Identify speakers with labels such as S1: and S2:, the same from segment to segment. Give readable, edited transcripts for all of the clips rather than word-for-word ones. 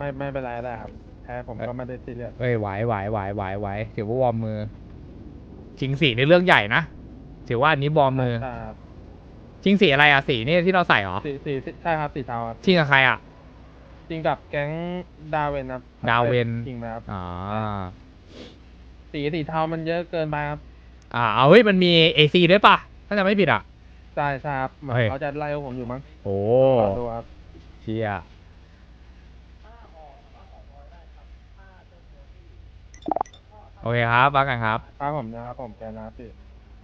S1: ไม่เป็นไรได้ครับแพ้ผมก็ไม่ได้ซีเรียส
S2: เอ้ยไหวถือว่าวอร์มมือชิงสีในเรื่องใหญ่นะถือว่าอันนี้วอร์มมือ
S1: ใช่ครับ
S2: ชิงสีอะไรอะสีนี่ที่เราใส่เหรอ
S1: สีใช่ครับสีเทาครับ
S2: ชิงกับใครอะ
S1: จริงกับแก๊งดาวเวนครับ
S2: ดาวเวน
S1: จริงไหมครับ
S2: อ๋อ
S1: สีเทามันเยอะเกินไปครับ
S2: เอาเฮ้ยมันมีเอซีด้วยป่ะถ้าจะไม่ผิดอะ
S1: ใช่ครับเหมือน
S2: เฮ้ย
S1: เขาจะไล่พวกผมอยู่มั้ง
S2: โอ้
S1: ขอดูครับ
S2: เชียโอเคครับว่ากันครับ
S1: ครับผมนะครับผมแกนะครับพี่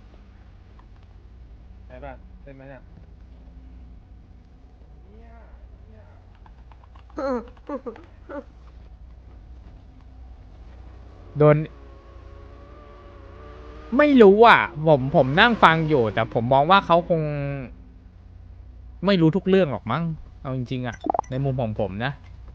S1: ไอ้บ้านเล่นไหมเนี่ย
S2: โดนไม่รู้อ่ะผมนั่งฟังอยู่แต่ผมมองว่าเขาคงไม่รู้ทุกเรื่องหรอกมั้งเอาจริงๆอ่ะในมุมของผมนะ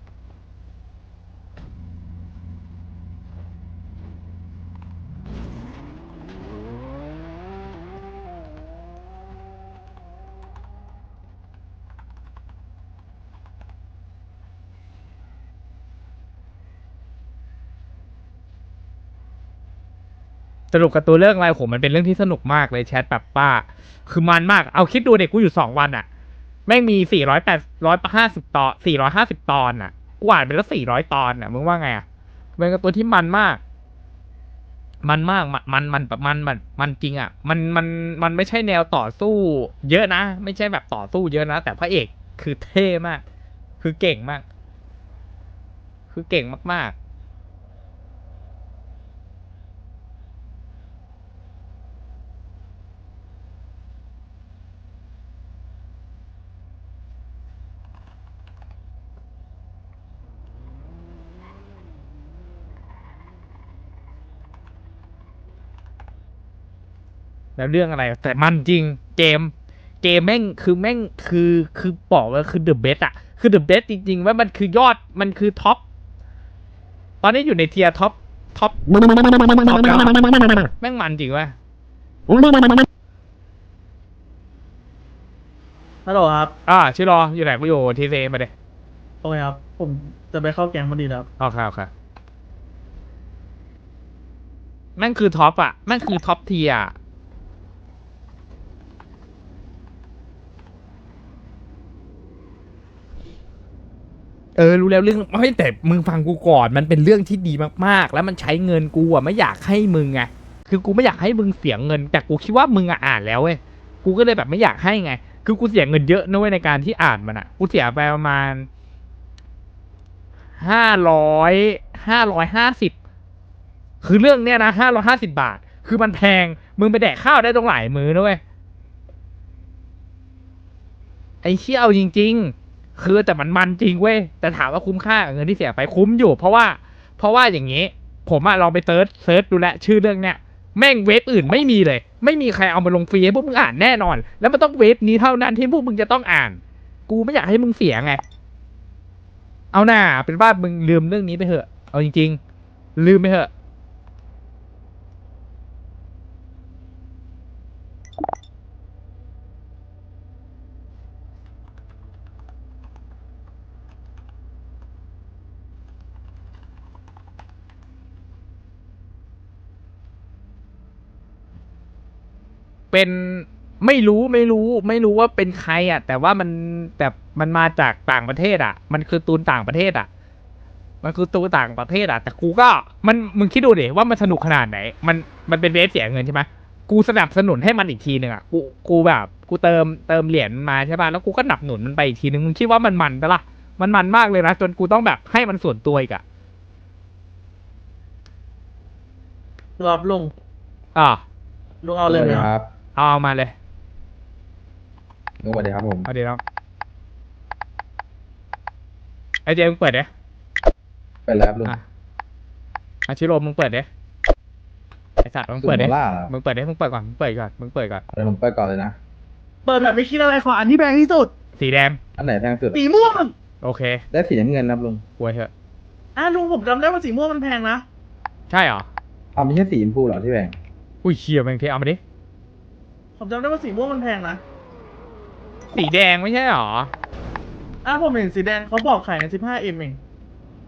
S2: สรุปกับตัวเรื่องอะไรผมมันเป็นเรื่องที่สนุกมากเลยแชทแบบป้าคือมันมากเอาคิดดูเด็กกูอยู่2 วันอ่ะแม่งมี450ตอน450ตอนอ่ะกูอ่านไปแล้ว400 ตอนอ่ะมึงว่าไงอ่ะเป็นการ์ตูนที่มันมากมันมากมันแบบมันจริงอ่ะมันไม่ใช่แนวต่อสู้เยอะนะไม่ใช่แบบต่อสู้เยอะนะแต่พระเอกคือเท่มากคือเก่งมากคือเก่งมากๆ แล้วเรื่องอะไรแต่มันจริงเกมแม่งคือบอกว่าคือเดอะเบสอะคือเดอะเบสจริงๆว่ามันคือยอดมันคือท็อปตอนนี้อยู่ในเทียร์ท็อปแม่งมันจริงวะ
S3: ฮัลโหลครับ
S2: ชื่อรออยู่ไหนกูอยู่ทีเซมาเดย
S3: โอเคครับ ผมจะไปเข้าแกงพอดีแล้วครับ
S2: โอเคแม่งคือท็อปอะแม่งคือท็อปเทียร์รู้แล้วเรื่องไม่แต่มึงฟังกูก่อนมันเป็นเรื่องที่ดีมากๆแล้วมันใช้เงินกูอะไม่อยากให้มึงไงคือกูไม่อยากให้มึงเสียเงินแต่กูคิดว่ามึงอะอ่านแล้วเว้ยกูก็เลยแบบไม่อยากให้ไงคือกูเสียเงินเยอะนะเว้ยในการที่อ่านมันอะกูเสียไปประมาณ550คือเรื่องเนี้ยนะ550 บาทคือมันแพงมึงไปแดกข้าวได้ตรงหลายมื้อนะเว้ยไอ้เชี่ยเอาจริงๆคือแต่มันจริงเว้ยแต่ถามว่าคุ้มค่ากับเงินที่เสียไปคุ้มอยู่เพราะว่าอย่างนี้ผมอะลองไปเซิร์ชดูแลชื่อเรื่องเนี้ยแม่งเว็บอื่นไม่มีเลยไม่มีใครเอามาลงฟรีให้พวกมึงอ่านแน่นอนแล้วมันต้องเว็บนี้เท่านั้นที่พวกมึงจะต้องอ่านกูไม่อยากให้มึงเสียไงเอาหน่าเป็นว่ามึงลืมเรื่องนี้ไปเถอะเอาจริงๆลืมไปเถอะเป็นไม่รู้ว่าเป็นใครอ่ะแต่ว่าแต่มันมาจากต่างประเทศอ่ะมันคือตูนต่างประเทศอ่ะ มันคือตัวต่างประเทศอ่ะแต่กูก็มึงคิดดูดิว่ามันสนุกขนาดไหนมันเป็นเวฟเสียเงินใช่ไหมกูสนับสนุนให้มันอีกทีหนึ่งอ่ะกูแบบกูเติมเหรียญมาใช่ป่ะแล้วกูก็หนับหนุนมันไปอีกทีนึงมึงคิดว่ามันปะล่ะมันมากเลยนะจนกูต้องแบบให้มันส่วนตัวอีกอ่ะ
S3: รอบลุง
S2: อ่า
S3: ลุงเอาเลยไหมครับ
S2: เอามาเลย
S4: สวัสดีครับผม
S2: เอาเดี๋ยวน้องไอเจมึงเปิดเด้
S4: ไปแล้วครับลุง
S2: อาชิโร่มึงเปิดเด้ไอสัตว์มึงเปิดเด้มึงเปิดก่อนมึงเปิดก่อน
S4: เดี๋ยวผมเปิดก่อนเลยนะ
S3: เปิดแบบไม่คิดอะไรขออันที่แพงที่สุด
S2: สีแดง
S4: อันไหนแพงสุด
S3: สีม่วง
S2: โอเค
S4: ได้สีน้ำเงินครับลุง
S2: ป่วยเถอะ
S3: ลุงผมจำได้ว่าสีม่วงมันแพงนะ
S2: ใช่เหรอ
S4: เอาไม่ใช่สีชมพูเหรอที่แพง
S2: อุ้ยเชี่ยแม่งเทเอามาดิ
S3: ผมจำได้ว่าสีม่วงมันแพงนะ
S2: สีแดงไม่ใช่เหรอ
S3: ผมเห็นสีแดงเขาบอกขายใน15Mเอง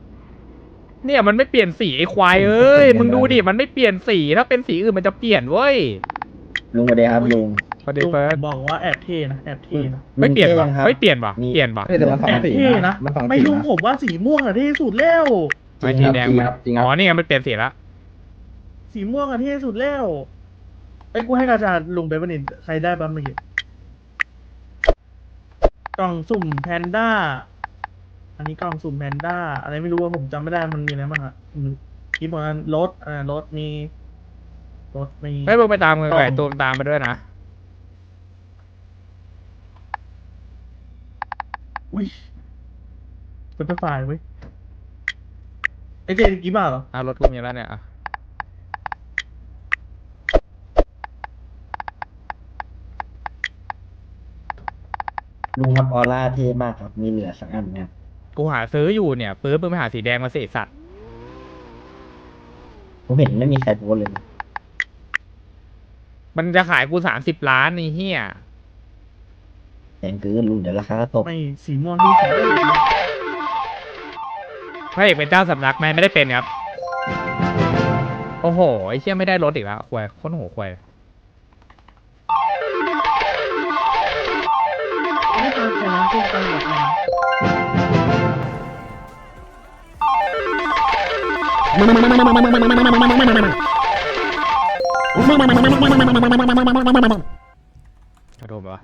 S2: เนี่ยมันไม่เปลี่ยนสีไอ้ควายเอ้ย มึงดูดิ มันไม่เปลี่ยนสี ถ้าเป็นสีอื่นมันจะเปลี่ยนเว้ย
S5: ลุงสวัสดีครับลุง
S2: พอดี
S3: ลุง
S2: เฟิร์ส
S3: บอกว่าแอบเท่นะแอบเท่นะ
S2: ไม่เปลี่ยน
S5: ลุง
S2: ว่ะ
S5: ท่ยังครับ
S2: ไม่เปลี่ยนว่ะ
S5: มี
S2: เปลี่ยนว่ะ
S4: เฮ้ยแต่มันสอ
S3: แอง บ
S4: สี
S3: เท่
S4: นะ
S3: นะ
S4: มันสอง
S3: ไม่
S4: สี
S3: ลุง
S4: นะ
S3: ผมว่าสีม่วงอะเท่สุดแล้ว
S2: ไม่สีแดง
S4: จริง
S2: มัน
S4: ครับจริงครับ
S2: อ๋อ นี่ไงมันเปลี่ยนสีแล้ว
S3: สีม่วงอะเท่สุดแล้วไอ้ยกูให้กาจารย์ลุงไปปะนินใครได้บ้างเมื่อกี้กล่องสุ่มแพนด้า อันนี้กล่องสุ่มแพนด้า อะไรไม่รู้ว่าผมจำไม่ได้มันมีอะไรบ้างอะคลิปมันรถรถมีรถมี
S2: ให้มึงไปตามกันไก่ตูมตามไปด้วยนะ
S3: อุ้ยเป็นไฟล์เว้ยไอเจกี่บาทเหรอ
S2: รถกูมีแล้วเนี่ยอ่ะ
S5: ลุงครับออร่าเท่มากครับ มีเหลือสักอันไหมครับ
S2: กูหาซื้ออยู่เนี่ยปื้มมึงไปหาสีแดงมาสิสัตว์
S5: ผมเห็นไม่มีใครโพสต์เลยนะ
S2: มันจะขายกู30 ล้านไอ้เหี้ย
S5: แพงเกินลุงเดี๋ยวราคาก็ตก
S3: ไม่สีม่วงที่สีเหลือง
S2: พระเอกเป็นเจ้าสำนักไหมไม่ได้เป็นครับ โอ้โห ไอ้เชี่ยไม่ได้รถอีกแล้วควายโคตรโหควาย
S3: ไม่ตามใครนะคุณตามแบบไหน
S2: กระโดดปะวะ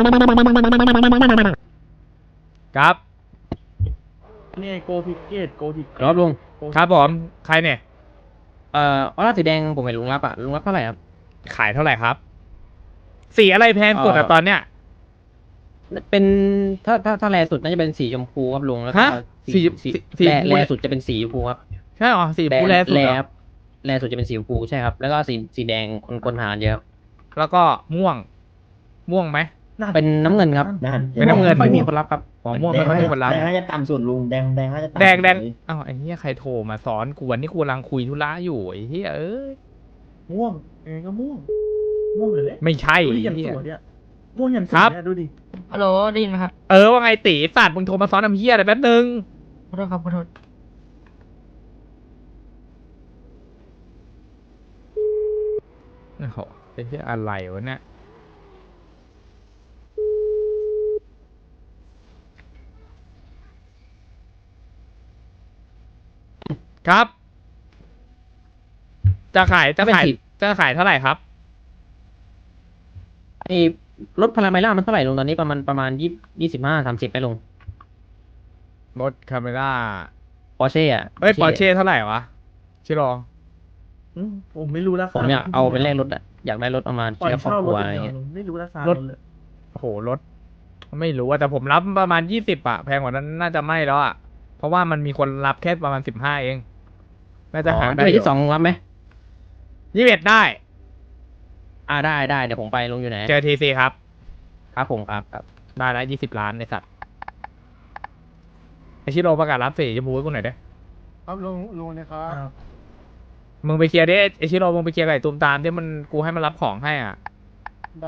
S2: ครับ
S3: นี่โกพิกเกตโกพิก
S6: ครับลุง
S2: ครับผมใครเนี่ย
S6: ออร่าสีแดงผมเห็นลุงรับอ่ะ ลุงรับเท่าไหร่ครับ
S2: ขายเท่าไหร่ครับ สีอะไรแพงสุดอะตอนเนี้ย
S6: เป็นถ้าแรสุดน่าจะเป็นสีชมพูครับลุงแล้วก็
S2: ฮะสีสี
S6: แรสุดจะเป็นสีชมพูครับ
S2: ใช่หรอสีฟูแลสุด
S6: แร
S2: เหรอ
S6: ครับแรสุดจะเป็นสีชมพูใช่ครับ แล้วก็สีแดงคนหาเยอะ
S2: แล้วก็ม่วงไหม
S6: เป็นน้ำเงินครับ
S5: นั่น
S2: เป็นน้ำเงิน
S6: ไม่มีคนรับครับ
S2: อ๋อม่วงไม่ค่อยมีคนรับ
S5: แดงน่าจะต่ำสุดลุงแดงน่าจะต่ำ
S2: แดง
S5: เลย
S2: อ้าวไอ้เหี้ยใครโทรมาสอนกูวันนี้กูกำลังคุยธุระอยู่ไอ้เหี้ยเอ้ย
S3: ม่วงยังไงก็ม่วงม่วงเลยแหละ
S2: ไม่ใช่
S3: ดู
S2: ไอ้
S3: ดิยัน
S2: เหี้
S3: ส
S2: ย
S3: วยเนี่ยม่วงยันส
S2: ครั
S3: วย
S2: บ
S3: เนี่ยดูดิ
S7: ฮัลโหลได้ยินไหมครับ
S2: ว่าไงตีสัตว์มึงโทรมาซ้อนทำเหี้ยอะไรแป๊บนึง
S7: ขอโทษครับขอโทษ
S2: โอ้โหไอ้เหี้ยอะไรวะเนี่ยครับ จะขายเท่าไหร่ครับ
S6: ไอ้รถพาราไมล่ามันเท่าไหร่ลุงตอนนี้ประมาณ25-30ไหมลุง
S2: รถคาเมล่า
S6: ปอร์เช่อะ
S2: เอ้ยปอร์เช่เท่าไหร่วะชิลอง
S3: ผมไม่รู้ราคา
S6: ผมอยากเอาไปแลกรถอะอยากได้รถประมาณ
S3: ปล่อย
S6: เชื่อครอบ
S3: เช่า
S6: ค
S3: ร
S6: รั
S3: ถ
S6: ว
S3: อ
S6: อะไร
S3: ย่างเดียว
S6: เงี้ย
S3: ไม่รู้ราคารถเลย
S2: โอ้โหรถ ไม่รู้อะแต่ผมรับประมาณ20อะแพงกว่านั้นน่าจะไม่แล้วอะเพราะว่ามันมีคนรับแค่ประมาณ15เองน่าจะหาได้
S6: ได้ที่2รับไหม
S2: 21ได้
S6: ได้เดี๋ยวผมไปลุงอยู่ไหน
S2: เจอทีซีครับ
S6: ครับผมครับ
S2: ได้แล้ว20 ล้านในสัตว์ไอชิโร่ประกาศรับสีชมพูให้กูหน่อยได้
S1: ครับลุงนะครับ
S2: มึงไปเคลียร์ดิไอชิโร่มึงไปเคลียร์กับไอ้ตูมตามที่มันกูให้มันรับของให้อ่ะ
S1: ได้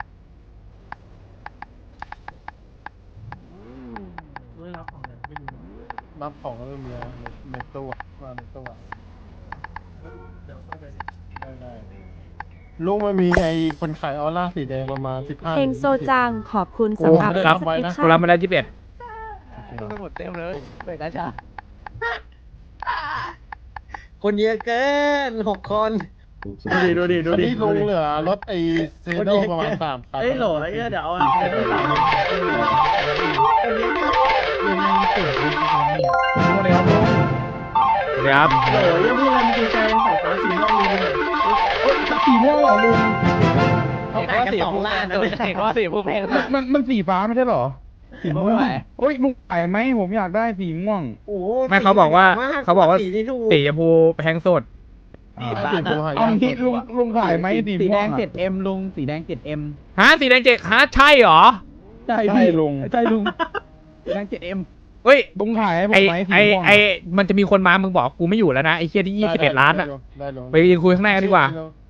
S3: ด้วยรับของเนี่ยไม่รู้
S1: รับของแล้วมีในตู้ว่าในตู้
S3: เดี๋ยวค่อยไป
S1: ได้ลุงมันมีไอ้คนขายออร่าสีแดงประมาณ15
S8: เพลงโซจังขอบคุณสำหรับ
S2: ครับ
S8: สคริป
S2: กู
S8: ชั่น
S2: รับมาได้21
S6: หมดเต็มเลยเปิดกาชาคนเยอะเกิน6 คน
S3: ดูดิ
S1: อันนี้ลุงเหลือรถไอ้เซโดประมาณ3 คัน
S3: เอ้ยโหลไอ้เดี๋ยวเอาอะไรไปต่อยังไงเกิดอะไรขึ้นเนี่ย
S2: เดี๋ยวครับ
S3: โหลยังพูดอะไรมีใจสายฟ้าสีม่วงลุงเลย
S1: สีม่วงเหรอลุง
S6: เขาแข่งกัน2 ล้านนะแข่งว่าสีผู้แพง
S1: มันสีฟ้าไม่ใช่เหรอสีม่วงโอ้ยลุงขายไหมผมอยากได้สีม่วง
S5: โอ้โห
S2: ไม่เขาบอกว่า
S5: สีที่ถูก
S2: สีชมพูแพงสุด
S1: สีม่วงเอาที่ลุงขายไหมสีม่วง
S4: 7M ลุงสีแดง 7M
S2: ฮะสีแดงเจ็ดฮะใช่เหรอ
S1: ใช่ลุง
S4: ใช่ลุงสีแดง 7M
S2: เฮ้ย
S1: ลุงขายให้ผม
S2: ไอ
S1: ไหมสี
S2: ไอ
S1: ม่วง
S2: ไอมันจะมีคนมามึงบอกกูไม่อยู่แล้วนะไอเคียที่21 ล้านอ่ะ
S1: ได้ลุง
S2: ไปยืนคุยข้างในกันดีกว่า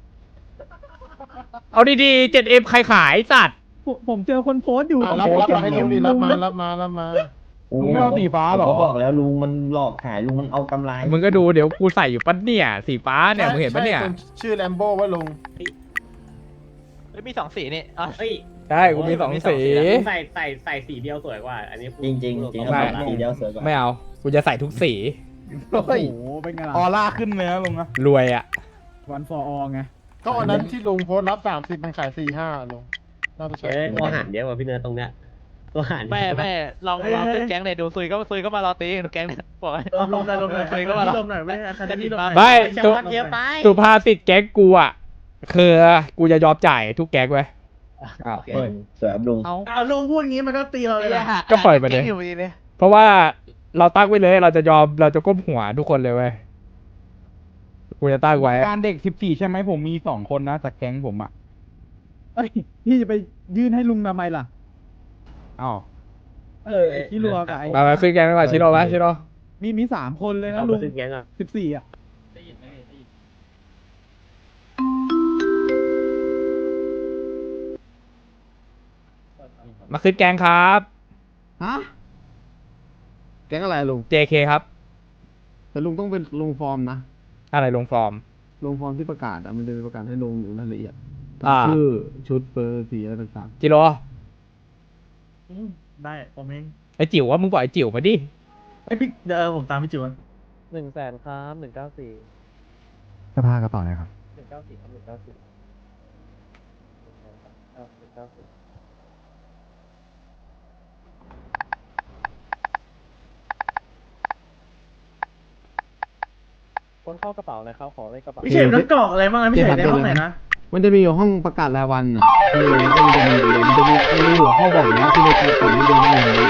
S2: เอาดีๆ 7M ใครขายสัตว์
S3: ผมเจอคนโพสต์อยู่
S1: รับมาให้ลุงดิรับมา
S5: โอ้
S1: ลุงไม่เอาสีฟ้าเหรอ
S5: ผมก็บอกแล้วลุงมันหลอกขายลุงมันเอากำไร
S2: มึงก็ดูเดี๋ยวกูใส่อยู่ปะเนี่ยสีฟ้าเนี่ยมึงเห็นปะเนี่ย
S9: ใช่ชื่อแลมโบ้ว่าลุง
S10: มี2 สีนี่เฮ้ย
S2: ใช่กูมี2 สี
S10: ใส่สีเดียวสวยกว่า อันนี้
S5: จริงจริงๆจริง
S2: ไม่
S5: ครับสีเดียวสวยกว่า
S2: ไม่เอากูจะใส่ทุกสี
S1: โอ้
S4: โอ้
S1: ย
S4: โห เป็นไง
S1: ออ
S4: ล่ะ
S1: ร่าขึ้นเลยนะลุงนะ
S2: รวยอ่ะ
S4: วันฟอร์อไง
S9: ก็วันนั้นที่ลุงโพสต์รับ30มันขาย45ลุงน่าจะใช่
S6: ตัวหันเยอะกว่าพี่เนิร์ดตรงเนี้ยตัวหัน
S10: แม่ลองขึ้นแก๊งเลยดูซุยก็มารอตีดูแก๊งเนี่ยบอกให้
S3: ลมหน่อยลมหน่อย
S10: ซุยก็มารอ
S3: ลมหน่อยไม่อาคาเดมี่ลมหน่อย
S2: ไม่
S10: แช
S2: สุ
S10: มป์เยอะไป
S2: สุภาษิตแก๊งกูอ่ะคือกูจะยอมจ่ายทุกแก๊งไว้ย
S5: อ้าวเฮ้ยสวยครับลุง
S3: เอาลุงพูดงี้มันก็ตีเราเลยนะ
S2: ก็ปล่อยไปเลย
S10: แก๊งอยู่ดีเลย
S2: เพราะว่าเราตั้งไว้เลยเราจะก้มหัวทุกคนเลยเว้ยกูจะตั้งไว้
S1: การเด็ก14ใช่ไหมผมมี2คนนะจากแก๊งผมอ่ะ
S4: เอ้ย พี่จะไปยื่นให้ลุงทำไมล่ะ
S1: อ้าว
S4: ที่รัวกับไอ้
S2: มาขึ้นแก๊งดีกว่าชิโร่ไหมชิโร่
S4: มี3 คนเลยนะ
S6: เอา
S4: ลุ
S6: มาง ขึ้นแก๊งอ่ะ
S4: 14อ่ะ
S2: มาขึ้นแก๊งครับ
S11: ฮะแก๊งอะไรลุง
S2: JK ครับ
S11: แต่ลุงต้องเป็นลงฟอร์มนะ
S2: อะไรลงฟอร์ม
S11: ลงฟอร์มที่ประกาศอะมันจะมีประกาศให้ลงอยู่รายละเอียด
S2: อ่า
S11: ชื่อชุดเบอร์สีอะไรต่าง
S2: จิโร่
S3: ได้ผมเอง
S2: ไอจิ๋วว่ามึงบอกไอจิ๋วมาดิ
S3: ไอยพี่เดี๋ยวผมตามพี่จิ๋ว
S6: 100,000ครับ194
S1: สภากระเป๋าเลยครับ
S6: 194ครับ194 คนเข้ากระเป๋าเลยครับขอเลขกระเป๋า
S3: พี่เฉยต้องกรอกอะไรบ้างนะพี่เฉยในห้องไหนนะ
S11: ๆมันจะมีอยู่ห้องประกาศรายวันอ่ะก็มันจะมีอยู่เลยมันจะมีหัวข้อบอกอยู่นะที่ในตัวผมนี่เดินไม่เห็น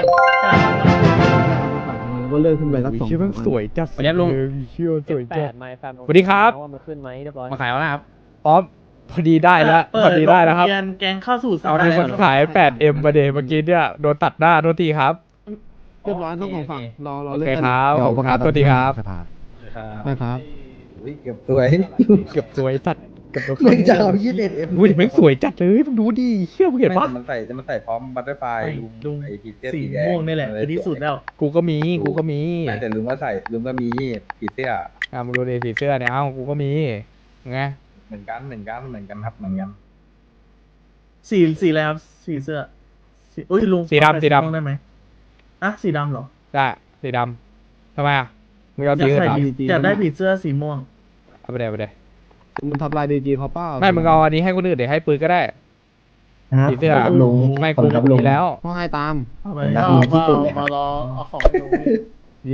S11: ก็เลิกขึ้นไปสัก2
S2: เชื่อมันสวยจัด
S6: สวัสดีครับลุง
S2: เชื่อสวยจัด
S6: 8ไมค์แฟม
S2: สวัสดีครับ
S6: ว่ามันขึ้นไหมเรียบร้อย
S2: มาขายแล้วนะครับอ๋อพอดีได้แล้วพอดีได้แล้วครับ
S3: เปิดแกงเข้าสู่
S2: เอาในคนขาย 8M ประเดี๋ยวเมื่อกี้เนี่ยโดนตัดหน้าโทษทีครับ
S11: เรียบร้อยทั้งสองฝั่งรอ
S2: โอ
S11: เลิก
S2: เค
S11: กัน
S2: ครับขอบคุณครับโทษทีครับ
S11: ใช่ครับ
S5: เกือบสวย
S2: เกือบสวยจัดเกือบ
S5: มึงจะเอา21M
S2: อุ้ยแม่งสวยจัดเลยมึงดูดิเชื่อมึงเห็นปะ
S5: มันใส่พร้อมบัตเตอร์ไฟ
S3: ลุง
S5: ไอ้ผีเสื้อ
S3: สี
S5: สีแดง
S3: ม่วงนี่แหละคือที่สุดแล้ว
S2: กูก็มี
S5: แต่ลุงก็ใส่ลุงก็มีผีเสื้อ
S2: มึงดูดิสีเสื้อเนี่ยเอ้ากูก็มีไง
S5: เหมือนกันครับเหมือนกัน
S3: สีอะไรครับสีเสื้ออุ้ยลุง
S2: สีดำ
S3: ม่วงได้ไหมอ่ะสีดำเหรอ
S2: ได้สีดำทำไมอ่ะมึงเอา
S3: อยา
S2: สี
S3: ก
S2: อื่น
S3: ใส่
S2: เหรอ
S3: อยากได้ผีเสื้อสีม่วง
S2: เอาไปเดี๋ยว
S11: มันทับลายดีจีเขาเปล่า
S2: ไม่มึงเอาอันนี้ให้คนอื่นเดี๋ยวให้ปืนก็ได้
S5: ครับ
S2: ผีเสื้อ
S5: ครับลุง
S2: ไม่
S5: ขอบ
S2: กู
S5: คุณครับลุง
S2: มีแล้ว
S11: พ่อให้ตาม
S3: เอาไป
S5: ครับ
S3: เอา
S5: ลุงที่สุดเลย
S3: มารอเอาของลุง
S11: เย้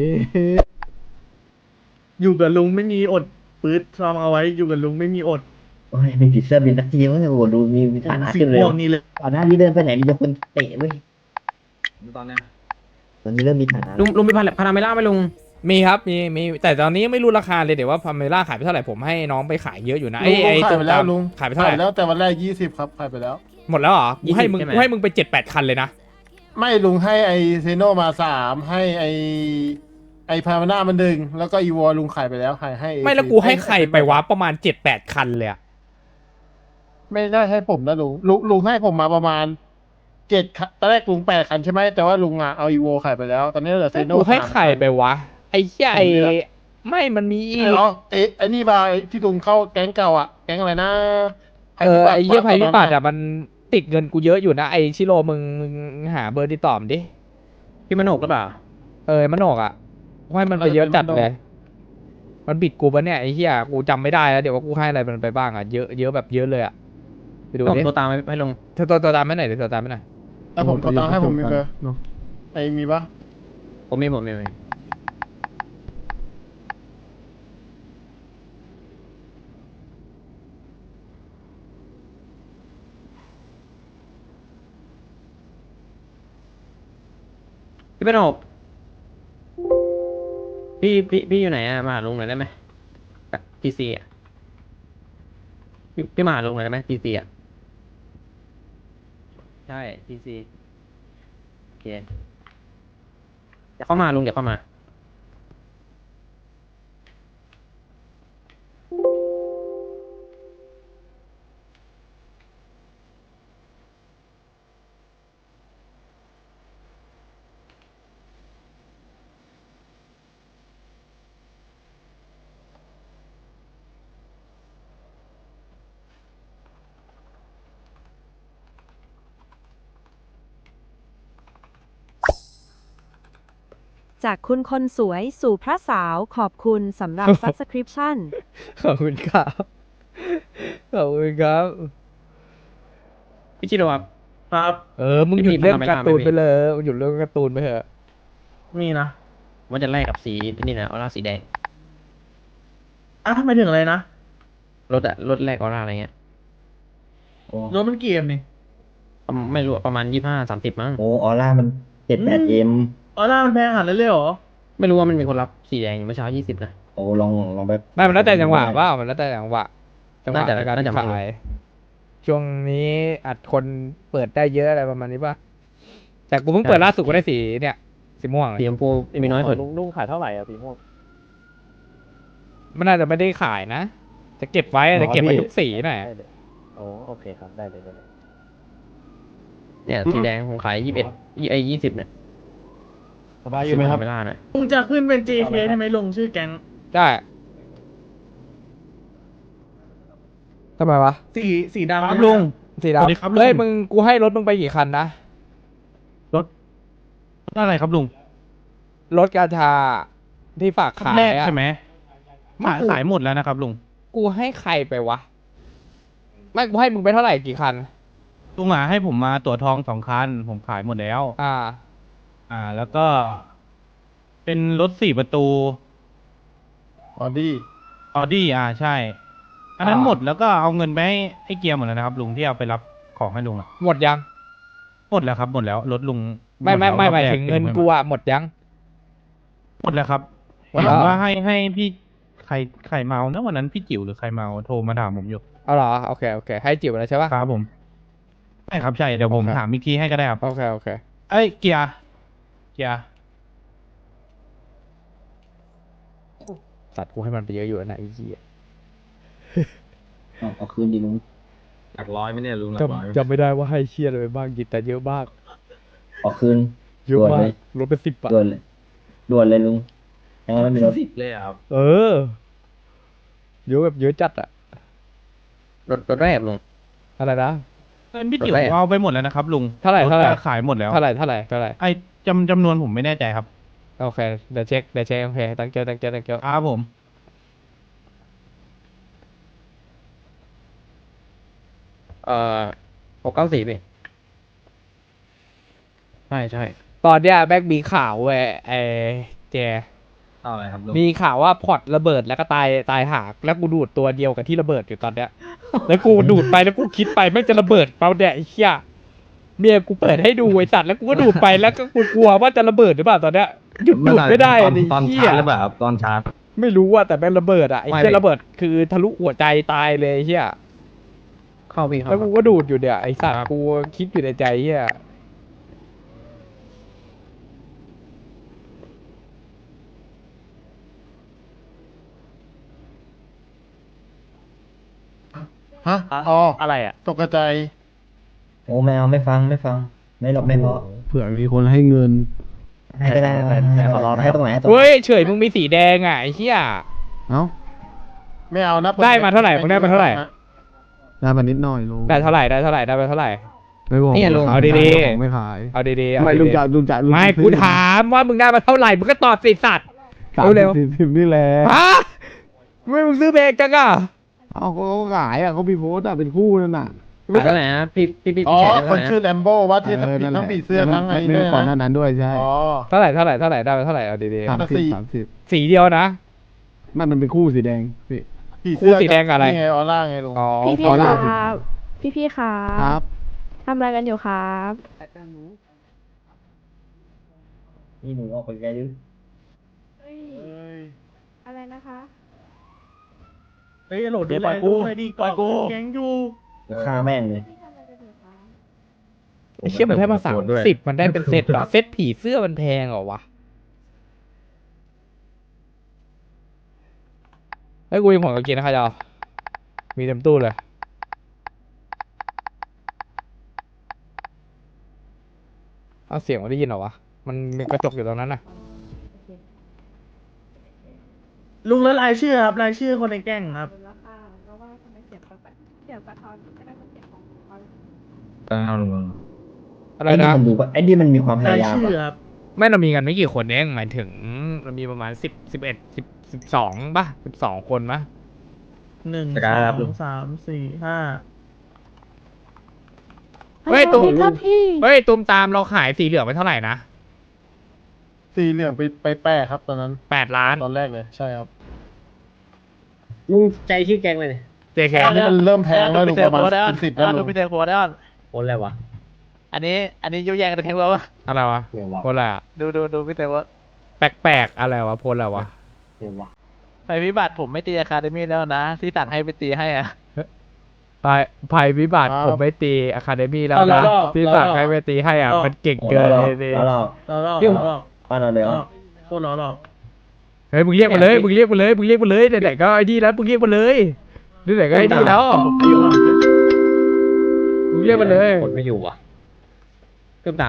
S3: อยู่กับลุงไม่มีอดปื๊ดซ้อมเอาไว้อยู่กับลุงไม่มีอด
S5: โอ้ยมีผีเสื้อบินทักทีมั้งโอ้โหดูมีฐานะ
S3: สี
S5: ขึ้นเลย
S3: ม่วงนี่เลย
S5: ก่อนหน้านี้เดินไปไหนมีแต่คนเตะเว้ยตอนนี้เริ่มมีฐานะ
S6: ลุงมีพาราเมล่าไหมลุง
S2: มีครับมีแต่ตอนนี้ยังไม่รู้ราคาเลยเดี๋ยวว่าพาเมล่าขายไปเท่าไหร่ผมให้น้องไปขายเยอะอยู่นะ
S9: ลุง
S2: ไอ้
S9: ขาย
S2: ตัว
S9: ไปแล้ว
S2: ดำ
S9: ลุง
S2: ขายไปเท่าไหร่
S9: แล้วแต่วันแรก20ครับขายไปแล้ว
S2: หมดแล้วเหรอกูให้มึง
S6: ใช่ไหม
S2: กูให้มึงไป7-8 คันเลยนะ
S9: ไม่ลุงให้ไอเซโนมา3ให้ไอพามาน่ามัน1แล้วก็อีวอลุงขายไปแล้วขายให้
S2: ไม่แล้วกูให้ใครไปวะประมาณ7-8 คันเลยอะ
S9: ไม่ได้ให้ผมนะลุงให้ผมมาประมาณ7 คันตอนแรกลุง8 คันใช่ไหมแต่ว่าลุงอ่ะเอาอีวอขายไปแล้ว ตอนนี้เหลือเซโน
S2: กูให้ใครไปวะไอ้เหี้ยไอ้ไม่มันมีอีก
S9: อ๋อไอ้นี่มาไอ้ที่ลุงเข้าแก๊งเก่าอ่ะแก๊งอะไรนะ
S2: ไอ้เหี้ยภัยพิบัติอะมันติดเงินกูเยอะอยู่นะไอ้ชิโร่มึงหาเบอร์ติดต่อมนดิ
S6: พี่มโนกหรือเปล่า
S2: มันออกอะกูให้มันไปเยอะจัดเลย มันบิดกูปะเนี่ยไอ้เหี้ยกูจำไม่ได้แล้วเดี๋ยวว่ากูให้อะไรมันไปบ้างอะเยอะแบบเยอะเลยอะไปดู
S6: ผม
S2: ดิ
S6: ตัวตามให้ลุง
S2: เธอตัวตามไม่ไหนอยเดี๋ยวตัวตามไม่หน่อย
S9: แล้วผมก็ต้องให้ผมมีเบอร์
S11: เนอะ
S9: ไอ้มีปะ
S6: ผมมีพี่เป็นอบพี่อยู่ไหนอะมาหาลุงหน่อยได้ไหมพีซีอะพี่มาหาลุงหน่อยได้ไหมพีซีอะใช่พีซีโอเคเดี๋ยวเข้ามาลุงเดี๋ยวเข้ามา
S8: จากคุณคนสวยสู่พระสาวขอบคุณสำหรับ subscription
S2: ขอบคุณครับ ขอบคุณครับ
S6: พี่ชิโร่ครับ
S3: ครับ
S2: มึงหยุดเรื่อง
S6: พี่
S2: การ์ตูน
S6: พี่
S2: ไปเลยมึงหยุดเรื่องการ์ตูนไปเถอะ
S3: มีนะ
S6: ว่าจะแลกกับสีนี่นะออร่าสีแดง
S3: ทำไมถึงอะไรนะ
S6: รถแลกออร่าอะไรเงี้ย
S5: โอ้
S3: รถมันเกมนี่
S6: ไม่รู้อะประมาณ25-30มั้ง
S5: โอ้ออร่ามัน78M
S3: ออร่ามันแพงขนาดนั้นเลยเหรอ
S6: ไม่รู้ว่ามันมีคนรับสีแดงเมื่อเช้า20นะ
S5: โอ้ลองไป
S2: ไม่มันแล้วแต่จังหวะว่ามันแล้วแต่จังหวะในการ
S6: น่าจะไม่
S2: ขายช่วงนี้อัดคนเปิดได้เยอะอะไรประมาณนี้ป่ะแต่กูเพิ่งเปิดล่าสุดก็ได้สีเนี่ยสีม่วงเลย
S6: สีชมพูมีน้อยสุด
S10: ลุงขายเท่าไหร่อะสีม่วง
S2: มันน่าจะไม่ได้ขายนะ จะเก็บไว้จะเก็บไว้ทุกสีหน่อย
S10: โอ้โอเคครับ ได้เลย
S6: เนี่ยสีแดงผมขาย20เนี่ย
S9: สบายอยู่ไหมครับ
S6: เวลาหน่อย
S3: ลุงจะขึ้นเป็น JK ใช่ไหมลุงชื่อแก๊ง
S2: ได้ทำไมวะ
S3: สีดำ
S9: ครับลุง
S2: สี
S9: สวัสดีครับ
S2: ดำ
S9: ลุง
S2: เฮ้ยมึงกูให้รถมึงไปกี่คันนะ
S9: อะไรครับลุง
S2: รถกาชาที่ฝากขาย
S9: แรก
S2: อะ
S9: ใช่ไหมขายหมดแล้วนะครับลุง
S2: กูให้ใครไปวะไม่กูให้มึงไปเท่าไหร่กี่คัน
S9: ลุงให้ผมมาตั๋วทอง2 คัน ผมขายหมดแล้ว แล้วก็ เป็นรถ4 ประตูออดี้ใช่ อันนั้นหมดแล้วก็เอาเงินไปให้เกียร์หมดแล้วนะครับลุงที่เอาไปรับของให้ลุงอะ
S2: หมดยัง
S9: หมดแล้วครับหมดแล้วรถลุง
S2: ไม่
S9: ดแล้ว
S2: หมาย
S9: รอบแร
S2: ถึงเงินกูอะหมดยัง
S9: หมดแล้วครับ
S2: หมดแล้ว
S9: ผมว่าให้พี่ใครเมานะวันนั้นพี่จิ๋วหรือใครเมาโทรมาถามผมอยู่
S2: เอาเหรอโอเคให้จิ๋วแล้วใช่ปะ
S9: ครับผมใช่ครับใช่เดี๋ยวผม
S2: โอเค
S9: ถามอีกทีให้ก็ได้ครับ
S2: โอเค
S9: เอ้ยเกียร์
S2: สัตว์กูให้มันไปเยอะอยู่นะไอ้เหี้ย
S5: เอาคืนดีลุง
S11: หลักร้อยไหมเนี่ยลุงหลักร้อย
S2: จำไม่ได้ว่าให้เชียร์อะไรไปบ้างกินแต่เยอะมาก
S5: เอาคืน
S2: เยอะ
S5: ด่วน
S2: มา
S5: เล
S2: ก
S5: ย
S2: รถเป็น10บาท
S5: ด่วนเลยลุงยังไม่มีรถ
S11: เลยครับ
S2: เออเยอะแบบเยอะจัดอะ
S6: รถแรกลุง
S2: อะไรนะ
S9: เงินพี่จิ๋ว
S6: รถแรก
S9: เอาไปหมดแล้วนะครับลุง
S2: เท่าไหร่
S9: ถก็ขายหมดแล้ว
S2: เท่าไหร่
S9: ไอ้จำนวนผมไม่แน่ใจครับ
S2: โอเคเดี๋ยวเช็คโอเคตั้งเจ้า
S9: ครับผม
S6: 694พี่ใช่
S2: ตอนเนี้ยแบ็กมีข่าวเว้ยไอ้เจ
S11: เอาอะไรครับลุง
S2: มีข่าวว่าพอร์ตระเบิดแล้วก็ตายหากแล้วกูดูดตัวเดียวกับที่ระเบิดอยู่ตอนเนี้ย แล้วกูดูดไปแล้วกูคิดไปแม่งจะระเบิดเปล่าเนี่ยไอ้เหี้ยเมียกูเปิดให้ดูไอ้สัตว์แล้วกูก็ดูดไปแล้วก็กูกลัวว่าจะระเบิดหรือเปล่าตอนเนี้ยหยุดดูดไม่ได้อะไอ้
S11: ตอน
S2: เหี้
S11: ชาย ร์จหรือเปล่าครับตอนชาร์จ
S2: ไม่รู้ว่าแต่แม่งระเบิดอ่ะไอ้เหี้ยระเบิดคือทะลุหัวใจตายเลยไอ้เหี้ย
S6: เข้าพี่เข้า
S2: แล้วกูก็ดูดอยู่เนี่ยไอ้สัตว์กูคิดอยู่ในใจเหี้ย
S9: ฮะอ๋อ
S10: อะไรอะ
S9: ตกใจ
S5: โอ้แมวไม่ฟังไม่หลบไม่เพราะ
S11: เผื่อมีคนให้เงิน
S5: ให้ก็ได้ให้ตรงไหนให้ตรงไหน
S2: เฮ้ยเฉยมึงมีสีแดงอ่ะไอ้เหี้ย
S11: เอ้า
S9: ไม่เอานะ
S2: ได้มาเท่าไหร่มึงได้มาเท่าไหร่
S11: ได้มานิดหน่อยลุง
S2: ได้เท่าไหร่ได้ไปเท่าไหร่
S11: ไม่บอก
S6: เนี่ยลุง
S2: เอาดีๆ
S11: ของไม่ขาย
S2: เอาดีๆ
S11: ทำไมลุงจะลุง
S2: ไม่
S11: ซื้อ
S2: กูถามว่ามึงได้มาเท่าไหร่มึงก็ตอบสิสัตว์ เร็ว
S11: 30นี่แหละ
S2: ฮะไม่มึงซื้อเบรกจังอ่ะ
S11: เอ้าเขาขายอ่ะเขามีโพสต์อ่ะเป็นคู่นั่นน่ะ
S6: ขายเท่าไหร่นะพี่
S9: อ๋อ
S6: แชร์
S9: คนชื่อแลมโบ้ว่าที่
S11: นั่นแห
S9: ทั้
S11: ละ
S9: งผีเสื้อทั้งไอ้
S11: ไม่
S9: เนี่ย
S11: ก่อนหน้า
S9: นะ
S11: นั้นด้วยใช่
S9: อ๋อ
S2: เท่าไหร่ได้ไปเท่าไหร่เอาดี
S11: 30
S2: ๆสีเดียวนะ
S11: มันเป็นคู่สีแดงพี่
S9: ผีเสื้อ
S2: คู่สีแดงกับอะไร
S9: นี่ไงออร่าไงลุง
S2: อ๋อ
S8: พี่
S11: ขอลา
S8: ครับพี่ครั
S11: ครับ
S8: ทำอะไรกันอยู่ครับ
S5: นี่หนูออกไปไกลดิ
S8: อะไรนะคะ
S3: เฮ้ยโหลด
S10: เดี๋ยว
S3: ดู
S10: ปล่
S3: แล
S10: อยกู
S3: ดูหน่อยดี
S10: ปล่อยกู
S3: แก๊งอยู่
S5: ฆ่าแม่งเลย
S8: พี่ทำอะไรกันอยู่คะ
S2: ไอ้เชี่ยมันได้มา30มันได้เป็นเซตเหรอเซตผีเสื้อมันแพงเหรอวะไอ้ยกูยังผลกับกินนะครับจอมีเต็มตู้เลยเอาเสียงมาได้ยินเหรอวะมันมีกระจกอยู่ตรงนั้นน่ะ
S3: ลุงแล้วรายชื่อครับรายชื่อคนในแก๊งครับ
S8: ดูแล้วค่ะเพราะว่าทำไมเสียงแปลกๆเสียงปะทอนไม่ได้เป็นเสียงของเขา
S11: เอาลุง
S2: อะไร
S5: ไอ้นี่
S2: นะ
S5: มันดูว่าไอ้นี่มันมีความพ
S3: ราย
S5: ยายาม
S3: ชื่อ
S5: อะ
S3: ครับ
S2: ไม่เรามีกันไม่กี่คนเองหมายถึงเรามีประมาณ12ป่ะ12 คนป่ะ
S3: 1 2 3 4 5
S2: เฮ้ยตูมเฮ้ยตูมตามเราขายสีเหลืองไปเท่าไหร่นะ
S1: สีเหลืองไปแปะครับตอนนั้น
S2: 8 ล้าน
S1: ตอนแรกเลยใช่ครับ
S6: ลุงใจชื่อแกงเลย
S2: JK
S1: อันนี้มันเริ่มแพงแล้ว
S10: ดู
S1: ลุง
S10: พิเศ
S1: ป
S10: ษ
S1: ระมาณ
S10: โพได้
S1: เป็น10แล้ว
S10: ดู
S1: ลุง
S10: พิเศษโพได้
S6: คนอะไรวะ
S10: อันนี้ยุ่งแย่งกันแข่งแล้ววะ
S2: อะไรวะ
S6: เดี๋ยววะ
S2: โพสอะไรอะ
S10: ดูพิเศษโพ
S2: แปลกๆอะไรวะโพสอะไรวะ
S6: เดี๋ยววะ
S10: ภัยพิบัติผมไม่ตีอะคาเดมี่แล้วนะที่สั่งให้ไปตีให้อ่ะ
S2: ภัยวิบัติผมไม่ตีอะคาเดมี่แล้วนะที่สั่งให้ไปตีให้อ่ะมันเก่งเกินเลยสิ
S5: แล้วเรา
S3: เรา
S5: ป้าเราเลยเหรอ
S3: โคตรเรา
S2: เฮ้ยมึงเรียกมาเลยไหนๆก็ไอ้นี่แล้วมึงเรียกมาเลยไหนๆก็ไอ้นี่แล้วมึงเรียกมาเลย
S6: คนไม่อยู่ว่ะขึ้นตาม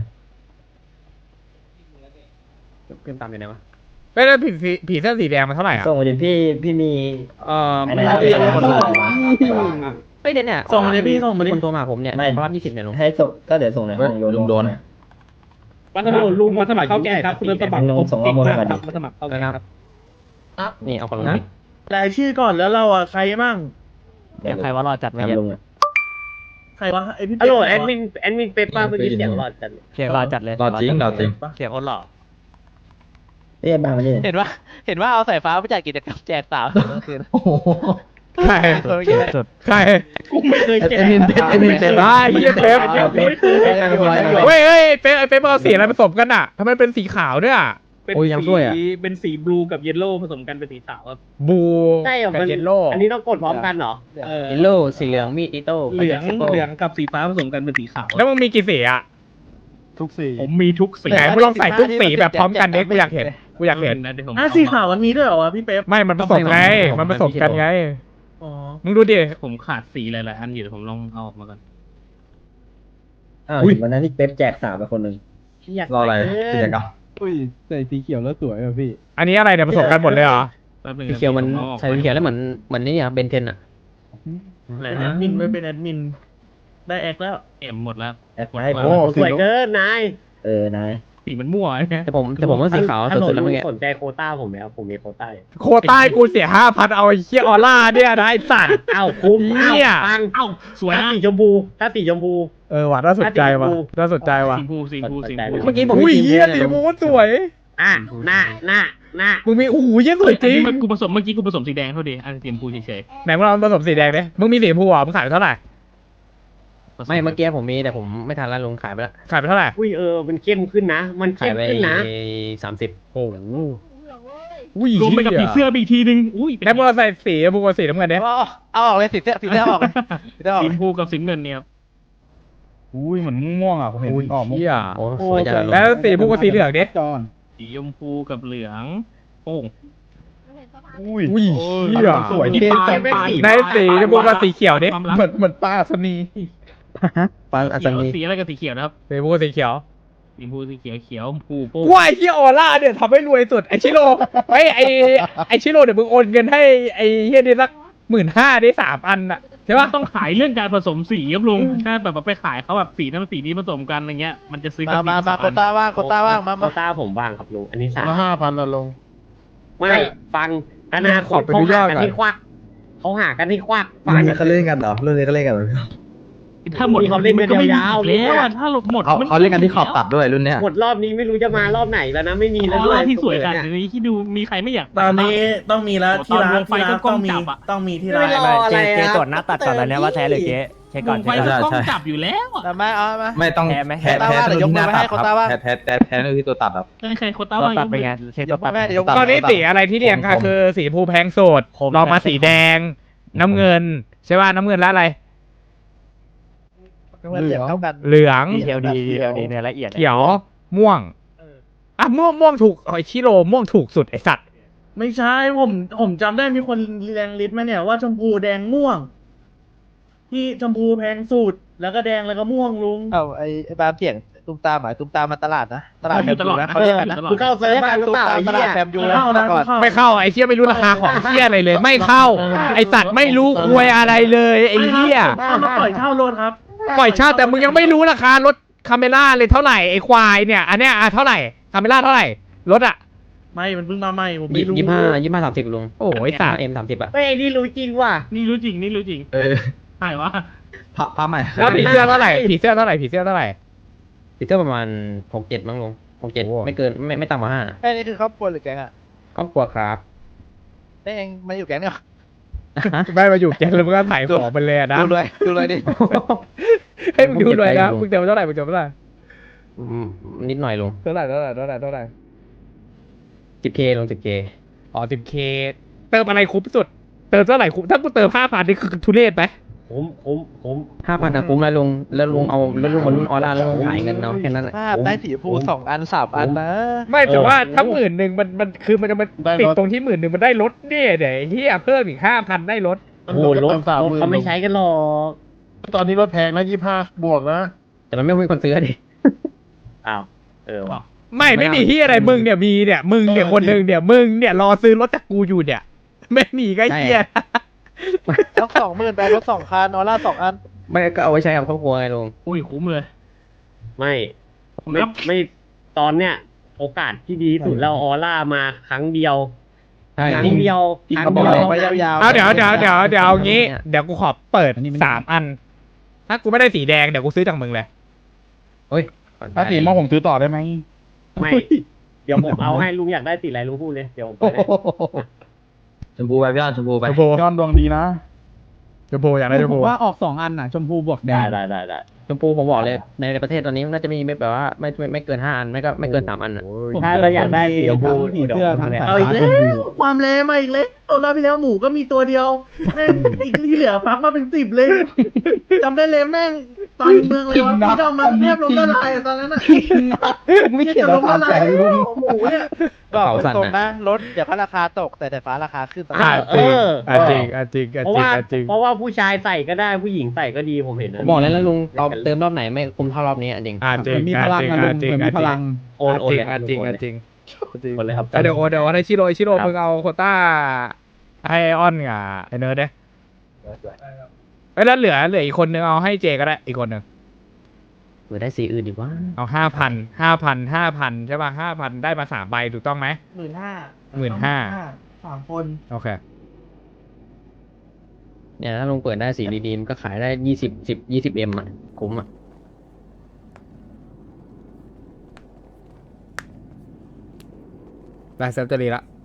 S6: อยู่ไหนวะ
S2: ไม่แล้วผีเสื้อสีแดงมันเท่าไหร่อ่ะ
S5: ส่งมาดิพี่มี
S6: ไม่
S5: ไม่
S6: ได้
S5: ได้
S6: คนเฮ้ยเนี่ย
S3: ส่งมาดิพี่ส่งมาดิ
S6: คนโทรมาผมเนี่ย
S5: ไม่
S6: รับ20เนี่ยลุง
S5: ให้ส่งก็เดี๋ยวส่งในห้องลุงโดน
S9: วันสมัครลุงมาสมัครเข้าแก่ครับคุณสมัคร
S5: ลุงส่งข้อมูลมาดิ
S9: มาสมัครเข้าแก่ครับ
S6: นี่เอาคนลุง
S3: รายชื่อก่อนแล้วเราอ่ะใครมั่ง
S6: ใครว่ารอดจัดไหม
S5: ลุงอ่ะ
S3: ใครวะไอพี่
S6: ฮัลโหลแอดมินเปป้าเมื่อกี้เสียงรอดจัดเสียงรอดจัดเลย
S11: รอดจริง
S6: เสียงโอนหล่อ
S5: เรียกบ้างมาดิ
S10: เห็นว่าเอาสายฟ้าไปจัดกิจกรรมแจกสาวเมื่อคืน
S2: ใคร
S10: สุด
S2: ใคร
S3: กูไม่เคยแกะ
S11: เอ็มมินเต็ม
S2: ได้เฮียเป๊ปเฮ้ยเป๊ปไอ้เป๊ปเอาสีอะไรผสมกันอ่ะทำไมเป็นสีขาวด้วยอ่ะ
S11: โอ้ยยังช่วยอ่ะ
S9: เป็นสีบลูกับเยลโล่ผสมกันเป็นสีขาวครับ
S2: บูกับเยลโล่
S6: อันนี้ต้องกดพร้อมกันเหรอ
S9: เออ
S6: เยลโล่สีเหลืองมีดอิโต้
S9: เหลืองกับสีฟ้าผสมกันเป็นสีขาว
S2: แล้วมึงมีกี่สีอ่ะ
S1: ทุกสี
S9: ผมมีทุกสี
S2: ไหนมึงลองใส่ทุกสีแบบพร้อมกันเด็กกูอยากเห็น
S9: นะเดี๋ยวผม
S3: สีขาวมันมีด้วยเหรอวะพี่เป๊ป
S2: ไม่มันผสมไงมันผสมกันไง
S3: อ๋อ
S2: มึงดูดิ
S9: ผมขาดสีหลายๆอันอยู่เดี๋ยวผมลองเอาออกมาก่อน
S5: อ้าววันนั้นที่เป๊ปแจกสาวไปคนหนึ่ง
S11: รออะไรกิจกรรม
S4: อุ้ยใส่สีเขียวแล้วสวยอ่ะพี่
S2: อันนี้อะไรเนี่ยผสมกันหมดเลยเหรอ
S9: แป๊บนึง
S6: สีเขียวมันใส่สีเขียวแล้วเหมือนนี่อ่ะเบนเทนอ่ะ
S3: แอดมินไม่เป็นแอดมินได้แอคแล้ว
S9: เอ็มหมดแล้ว
S5: แอดมาให้ผม
S2: โอ้
S6: สวยเกินนาย
S5: นาย
S9: สีมันมั่วไง
S6: แต่ผมว่าสีขาวสุดๆแล้วเมื่อกี้สนใจโคต้าผมไหมครับผมมีโคต้า
S2: โคต้ากูเสีย5,000เอาไอ้เหี้ยออร่าเนี่ยนะไอ้สัตว์
S6: อ้าวคุ้ม
S2: เหี้ย
S6: ฟัง
S9: เอ้าสวย
S6: ถ้า
S9: นะ
S6: สีชมพู
S2: ว่ะน่าสนใจว่ะน่าสนใจว่ะ
S9: สีฟูสีฟู
S6: เมื่อกี้ผม
S2: อุ้ย
S6: มี
S2: เหี้ยสีมูสวย
S6: อ่ะหน้า
S2: มึงมีโอ้โหเหี้ยสวยจริง
S9: กูผสมเมื่อกี้กูผสมสีแดงเท่าดีอันสีชมพูเฉย
S2: ไหนมึงลองผสมสีแดงดิมึงมีสีชมพูอ่ะมึงขายไปเท่าไหร่
S9: ๆ
S6: ไม่เมื่อกี้ผมมีแต่ผมไม่ทันแล้วลุงขายไปแล้ว
S2: ขายไปเท่าไหร่
S6: อุ้ยมันเข้มขึ้นนะมันเข้มขึ้นนะ30
S2: โอ้โหอุ้ย
S9: รวมไปกับผีเสื้อไปอีกทีนึงอุ้ย
S2: แล้วมึงเอาใส่สีชมพูกับสีน้ำเงินดิ
S10: เอาออกเลยสีเสื้อออกเลยสีเสื้อออก
S9: สีชมพูกับสีเงินเนี่ย
S1: อุ้ยเหมือนม่วงอ่ะผมเห็นออกม่วง
S2: เหี้ย
S6: โอ้สวยจัง
S2: แล้วสีชมพูกับสีเหลืองดิ
S4: จอน
S9: สีชมพูกับเหลืองโป้ง
S1: อุ้ย
S2: อุ้ยเหี้ย
S1: สวยเท่จัง
S2: ในสีชมพูกับสีเขียวดิ
S9: ความรัก
S1: เหมือนป้าสนี
S11: ปานอาจารย์
S9: สีอะไรกับสีเขียวนะครับ
S2: สีชมพูกับสีเขียว
S9: สีชมพูสีเขียวเขียวชมพูโป้ง
S2: ว้ายที่ออร่าเนี่ยทำให้รวยสุดไอชิโร่ไอชิโร่เดี๋ยวมึงโอนเงินให้ไอเฮียนี่สัก15,000ได้3 อันอะใช่ปะ
S9: ต้องขายเรื่องการผสมสีครับลุงถ้าแบบไปขายเขาแบบสีนั้นสีนี้ผสมกันอะไรเงี้ยมันจะซื้อกัน
S10: มาโคต้าว่างมา
S6: โคต้าผมว่างครับลุงอันนี้
S1: ละ5,000ละลง
S6: ไม่ฟังอนาคตเขาหากันที่ควักฟัง
S11: เขาเล่นกันเหรอเรื่องนี้เขาเล่นกันเหรอ
S9: ถ้าหมด
S6: เขาเล่นกันยาวๆ
S9: แล้วอะถ้าหมด
S11: เขาเล่นกันที่ขอบตัดด้วยรุ่นเนี้ย
S6: หมดรอบนี้ไม่รู้จะมารอบไหนแล้วนะไม่มีแล้วด้วย
S9: ที่สวยกันนี้ที่ดูมีใครไม่อยาก
S3: ตอนนี้ต้องมีแล้วที่ร้าน
S9: ไฟก็กล้องจับอะ
S3: ต้องมีที่ร้าน
S6: เจ๊ตรวจหน้าตัดก่อนแล้วเนี่ยว่าแท้หรือเก๊
S9: เช็คก่อนไฟก็กล้องจับอยู่แล้วอะ
S10: มาเอามา
S11: ไม่ต้อง
S6: แพ้ไหม
S11: แพ้
S10: โควต้าว่าเดี๋ยว
S11: ที่หน้าตัด
S10: ยกมือไปให้โควต้าว่า
S11: ครับแพ้ที่ตัวตัดครับ
S9: ใครโคต้าว่าง
S6: ตัดไปไงเช็คตัวตัด
S10: เดี๋ยว
S2: ตอนนี้สีอะไรที่เรียงค่ะคือสีชมพูแพงสุดรองมาสีแดง น้ำเงินใช่ป่ะน้ำเงินแล้วอะไร
S10: เหลืองเท่ากัน
S2: เหลือง
S6: ดีเทลดีเนื้อละเอียด
S2: เขียวม่วงอ่ะม่วงถูกไอชิโร่ม่วงถูกสุดไอสัตว์
S3: ไม่ใช่ผมจำได้มีคนแรงลิสต์มาเนี่ยว่าชมพูแดงม่วง ที่ชมพูแพงสุดแล้วก็แดงแล้วก็ม่วงลุง
S10: เอาไอ้บามเถียงตุ้มตามหมายตุ้มตามมาตลาดนะตลาดแฟมยูนะเขาเรียกกันนะ
S6: กูเข้าเซิร์ฟหรือเปล่า
S10: ตลาดแฟมยูนะ
S3: เข้านะ
S10: ก่อน
S2: ไม่เข้าไอเชี่ยไม่รู้ราคาของเชี่ยอะไรเลย ไม่เข้า ไอสัตว์ไม่รู้ควยอะไรเลยไอเชี่ย
S3: เอามาปล่อยเช่ารถครับ
S2: ปล่อยเช่าแต่มึงยังไม่รู้ราคารถคาเมล่าเลยเท่าไหร่ไอ้ควายเนี่ยอันเนี้ยเท่าไหร่คาเมล่าเท่าไหร่รถอะ
S3: ไม่มันเพิ่งมาใหม่ผมไม่รู้
S6: 25 30ลุง
S2: โอ้ยสัตว์
S6: เอ็ม30อะ
S3: เฮ้ยนี่รู้จริงว่ะนี่รู้จริงนี่รู้จริงใช่วะ
S10: พาใหม่
S2: แล้วผีเสื้อเท่าไหร่ผีเสื้อเท่าไหร่ผีเสื้อเท่าไหร่
S6: ปีเตอร์ประมาณ 6-7มั้งลุง
S2: โอ้
S6: 6-7ไม่เกินไม่ต่ำกว่า5
S10: ไอ้นี่คือครอบครัวหรือแก๊งอ่ะ
S6: ครอบครัวครับ
S10: ได้เองมาอยู่แก๊งเนี่ย
S2: ไม่มาอยู่แกงแล้วมึงก็ถ่ายของไปเลยอะนะ
S10: ดูเลยดิ
S2: ให้มึงดูเลยนะมึงเติมเท่าไหร่มึงเติมเท่าไหร่
S6: นิดหน่อยลุง
S2: เท่าไหร่เท่าไหร่เท่าไหร่เท่าไหร่
S6: 10K ลุง 10K
S2: อ๋อ 10K เติมอะไรคุ้มสุดเติมเท่าไหร่คุ้มถ้ากูเติม 5,000นี่คือทุเรศไหม
S6: 5,000นะคุ้มแล้วลุงแล้วลุงเอาแล้วลุงมารุ่นออร่าแล้วลุงขายเงินเอาแค่นั้นแหละ
S10: ภาพได้สีชมพู2 อัน 3 อันนะ
S2: ไม่แต่ว่าถ้า10,000มันคือมันจะมาติดตรงที่10,000มันได้ลดเนี่ยเดี๋ยวไอ้เฮียเพิ่มอีก 5,000ได้ลด
S3: โอ้โหรถเขาไม่ใช้กันหรอกตอนนี้รถแพงนะ25 บวกนะ
S6: แต่มันไม่มีคนซื้อดิ
S3: อ้าวว่ะ
S2: ไม่มีที่อะไรมึงเนี่ยมีเนี่ยมึงเนี่ยคนหนึ่งเนี่ยมึงเนี่ยรอซื้อรถจากกูอยู่เนี่ยไม่มีก็เฮีย
S10: แล้ว 20,000ไปรถ2 คันออร่า2 อัน
S6: ไม่ก็เอาไว้ใช้กับครอบครัวไงลุง
S3: อุ้ยคุ้มเลย
S12: ไม่ตอนเนี้ยโอกาสที่ดีที่สุดแล้วออร่ามาครั้งเดียว
S6: ใช่
S12: ครั้งเดียว
S10: เขาบอกเลยไว้ยาวๆ
S2: เอาเดี๋ยวเอางี้เดี๋ยวกูขอเปิด3 อัน ถ้ากูไม่ได้สีแดงเดี๋ยวกูซื้อจากมึงเลย
S6: เฮ้ย
S1: ถ้าสีม่วงผมซื้อต่อได้ไหม
S12: ไม่เดี๋ยวผมเอาให้ลุงอยากได้สีอะไรลุงพูดเลยเดี๋ยวผมไปให้
S5: ชมพูไปพี่อ้อนชมพูไป
S2: ชมพู
S1: ย้อนดวงดีนะ
S2: ชมพูอยากได้ชม
S4: ผ
S2: พู
S4: มว่าออก2 อันน่ะ ชมพูบวกแดง
S12: ได้
S6: ชมพูผมบอกเลยในประเทศตอนนี้น่าจะมีแบบว่าไม่เกิน5 อันไม่เกิน3 อันอ่ะ
S12: ถ้าเราอยากได้สีชมพู
S4: ผีเสื้อทั้ง
S3: เอาอีกแล้วความแรงมาอีกแล้วรอบที่แล้วหมูก็มีตัวเดียวแม่งอีกที่เหลือฟักมาเป็น10เลยจำได้เลยแม่งตอนเมืองเลยวะที่เรามาเทียบลงละลายตอนนั้นอ่ะ
S1: ไม่เขียน
S3: ล
S1: แล้ว
S3: ง
S1: ตา
S3: ละ
S1: ม
S3: ลา
S1: ใจ
S3: ย
S1: ลุง
S3: หมูเนี่ย
S10: บอก
S6: เผาสั่น
S10: ตรง
S6: นะ
S10: ๆนะรถเดี๋ยวก็ราคาตกแต่ฟ้าราคาขึ้นตลอด
S2: จริง
S12: เพราะว่าผู้ชายใส่ก็ได้ผู้หญิงใส่ก็ดีผมเห็นนะ
S6: ผมบอกเลยแล้วลุงเราเติมรอบไหนไม่คุ้มเท่ารอบนี้จริง
S2: จริง
S4: มันมีพลังอะลุงมันมีพลัง
S12: โอนเลย
S2: จริง
S12: โอนเลยครับ
S2: เดี๋ยวให้ชิโร่มึงเอาโควต้าให้ออนกับไอเนิร์ดเด้แล้วเหลืออีกคนนึงเอาให้เจก็ได้อีกคนนึง
S6: หรือได้สีอื่นดีกว่า
S2: เอา5,000ใช่ป่ะ5,000ได้มา3 ใบถูกต้องไหม
S3: 15,000 3 คน
S2: โอเค
S6: เนี่ยถ้าลุงเปิดได้สีดีๆมันก็ขายได้20 อ่ะคุ้มอ่ะ
S2: ได้เซฟจะดีละ